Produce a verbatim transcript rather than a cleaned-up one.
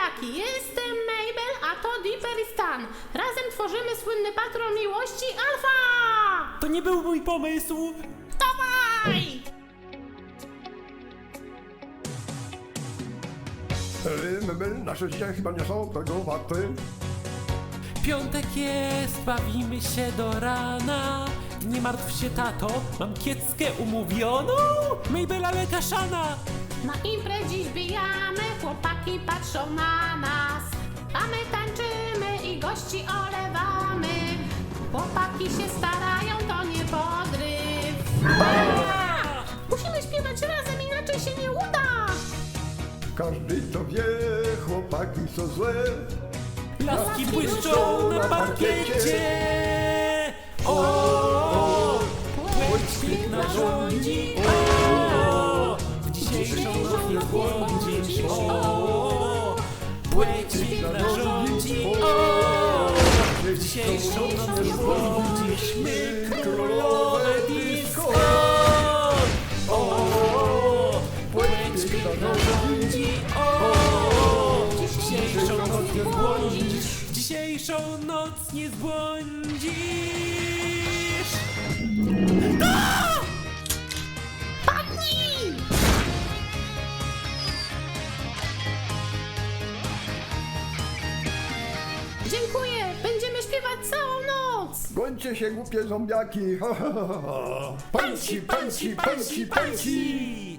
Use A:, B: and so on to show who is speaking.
A: zombiaki! Jestem Mabel, a to Dipper i Stan. Razem tworzymy słynny patrol miłości Alfa!
B: To nie był mój pomysł!
A: Dawaj!
C: Mebel, nasze życia chyba nie są tego warte.
B: Piątek jest, bawimy się do rana. Nie martw się, tato, mam kieckę umówioną. Mabel, ale kaszana!
A: Na imprez dziś bijamy, chłopaki patrzą na nas. A my tańczymy i gości olewamy. Chłopaki się starają, to nie podryw. Musimy śpiewać razem, inaczej się nie uda.
C: Każdy to wie, chłopaki są złe.
B: Laski błyszczą na parkiecie. O, płeć piękna rządzi. O, w dzisiejszą noc nie zbłądzisz. O, płeć piękna rządzi. O, w dzisiejszą noc nie zbłądzisz. My królowe disco. O, płeć piękna rządzi. O, w dzisiejszą noc nie zbłądzisz. W dzisiejszą noc nie zbłądzisz.
A: Padnij! Dziękuję, będziemy śpiewać całą noc.
C: Gońcie się, głupie zombiaki. Ha, ha, ha, ha. Panci, panci, panci, panci.